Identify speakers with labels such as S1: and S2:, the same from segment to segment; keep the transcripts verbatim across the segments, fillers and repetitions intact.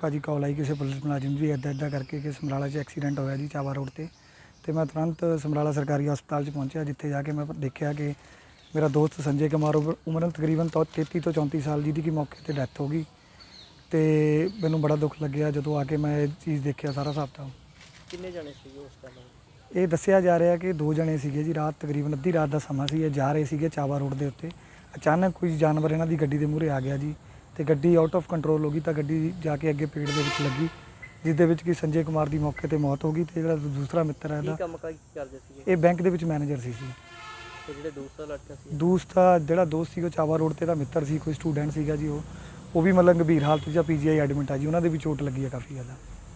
S1: भाजी कॉल आई किसी पुलिस मुलाजिम भी इदा इदा करके कि समराला च एक्सीडेंट होया जी चावा रोड ते तो मैं तुरंत समराला सरकारी हस्पताल च पहुंचा, जिथे जाके मैं देखा कि मेरा दोस्त संजय कुमार उम्र तकरीबन तो तेती तो चौंती साल जिहदी कि मौके पर डैथ हो गई। तो मैनू बड़ा दुख लग्या जो आके मैं ये चीज़ देखा सारा हिसाब किताब।
S2: किन्ने जने सीगे उस टाइम?
S1: ये दसिया जा रहा कि दो जने सीगे जी, रात तकरीबन अद्धी रात का समा सी, जा रहे थे चावा रोड के उत्ते, अचानक कोई जानवर इन्हों की गड्डी के मूहरे आ गया जी, तो गड्डी आउट ऑफ कंट्रोल हो गई, तो गड्डी जाके अगे पेड़ के विच लगी, जिस कि संजय कुमार की मौके पर मौत हो गई। तो जो दूसरा मित्र है ये बैंक के मैनेजर सी सी दूसरा जोड़ा दोस्त सी चावा रोड से मित्र सी, कोई स्टूडेंट सीगा जी, वो वो भी मतलब गंभीर हालत च पी जी आई एडमिट आ जी, उन्होंने भी चोट लगी है काफ़ी ज़्यादा।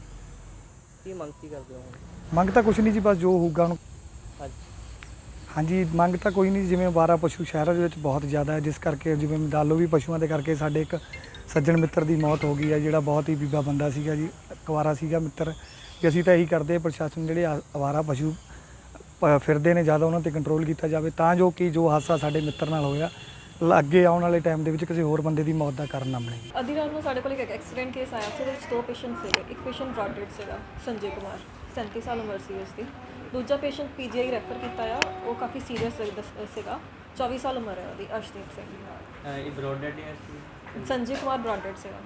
S1: मंग तो कुछ नहीं जी, बस जो होगा हाँ जी, मंग तो कोई नहीं, जिमें बारह पशु शहर के बहुत ज़्यादा है, जिस करके जिमें दालो भी पशुओं के करके साढ़े एक सज्जन मित्र की मौत हो गई है, जोड़ा बहुत ही बीबा बंदा सीगा जी, कुवारा सीगा मित्र। कि असीं तो यही करते प्रशासन जोड़े आवारा पशु फिरते हैं ज़्यादा उन्होंने कंट्रोल किया जाए, तो जो कि जो हादसा साढ़े मित्र नाल होया अगे आने वाले टाइम के किसी होर बंदे की मौत का कारण ना बने।
S3: अद्धी रात में साढ़े को एक एक्सीडेंट केस आया, उस दो पेशेंट से, एक पेशेंट ब्रॉड डेड से संजय कुमार सैंती साल उम्र सी उसकी, दूजा patient P G I refer किया, वो काफ़ी सीरीयस सेगा, चौबीस साल उम्र है वो अर्शदीप सिंह। संजय कुमार ब्रॉड डेड से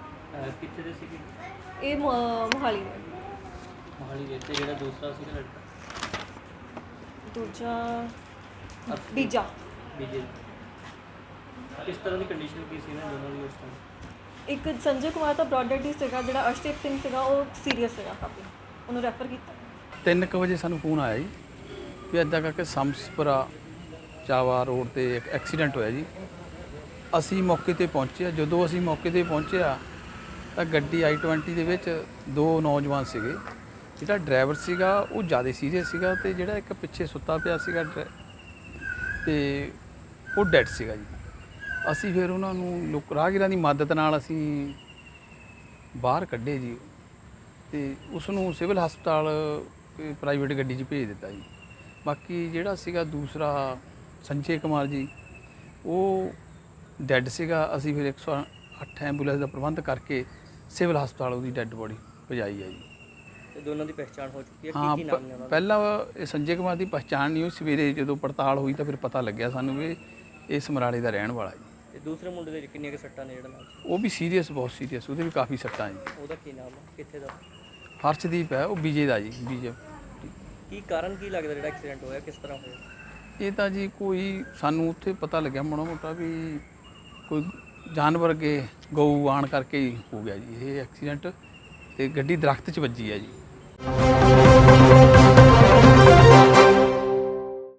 S3: ये मोहाली दूजा बीजा।
S2: किस तरह की कंडीशन की सी ना दोनों की उस टाइम?
S3: एक संजय कुमार तो ब्रॉड डेड ही सीगा, जो अर्शदीप सिंह सीगा वो सीरीयस सीगा काफ़ी, उन्होंने रैफर किया।
S4: तीन क वजे सानू फोन आया जी भी इदा करके समसपुरा चावा रोड ते एक एक्सीडेंट होया जी। असी मौके ते पहुंचे, जो असी मौके ते पहुंचे तो गड्डी आई ट्वेंटी दे विच दो नौजवान सीगे, जिहड़ा ड्राइवर सीगा वो ज़्यादा सीरीयस सीगा, ते जिहड़ा एक पिछे सुत्ता पिया सीगा ते वो डैड सीगा जी। असी फिर उन्होंने लोक राहगीरां की मदद नाल असी बाहर कढ़े जी, तो उसनूं सिविल हस्पताल प्राइवेट गड्डी च भेज दिता जी। बाकी जिहड़ा सीगा दूसरा संजय कुमार जी वो डैड सीगा, असी फिर एक सौ अठ एंबूलेंस का प्रबंध करके सिविल हस्पताल उसकी डैड बॉडी पहुँचाई है जी।
S2: दोनों की पहचान हो चुकी है?
S4: हाँ,
S2: की नाम ने
S4: पहला संजय कुमार की पहचान नहीं हुई, सवेरे जो पड़ताल हुई तो फिर पता लग्या सानू भी ये समराले का रहने वाला जी।
S2: दूसरे मुंडे दे किन्नियां सट्टां ने जिहड़ा नाम?
S4: वो भी सीरीयस, बहुत सीरीयस, वो भी काफ़ी सट्टां जी।
S2: ਉਹਦਾ ਕੀ ਨਾਮ ਹੈ, ਕਿੱਥੇ ਦਾ?
S4: हर्षदीप है, वो बीजे का जी, बीजे।
S2: ਕੀ ਕਾਰਨ ਕੀ ਲੱਗਦਾ ਜਿਹੜਾ ਐਕਸੀਡੈਂਟ ਹੋਇਆ, ਕਿਸ ਤਰ੍ਹਾਂ ਹੋਇਆ?
S4: ये तो जी कोई सानू उत्थे पता लग्या माड़ा मोटा भी कोई जानवर अगे गऊ आण करके ही हो गया जी ये एक्सीडेंट, तो गड्डी दरख्त च वजी है जी।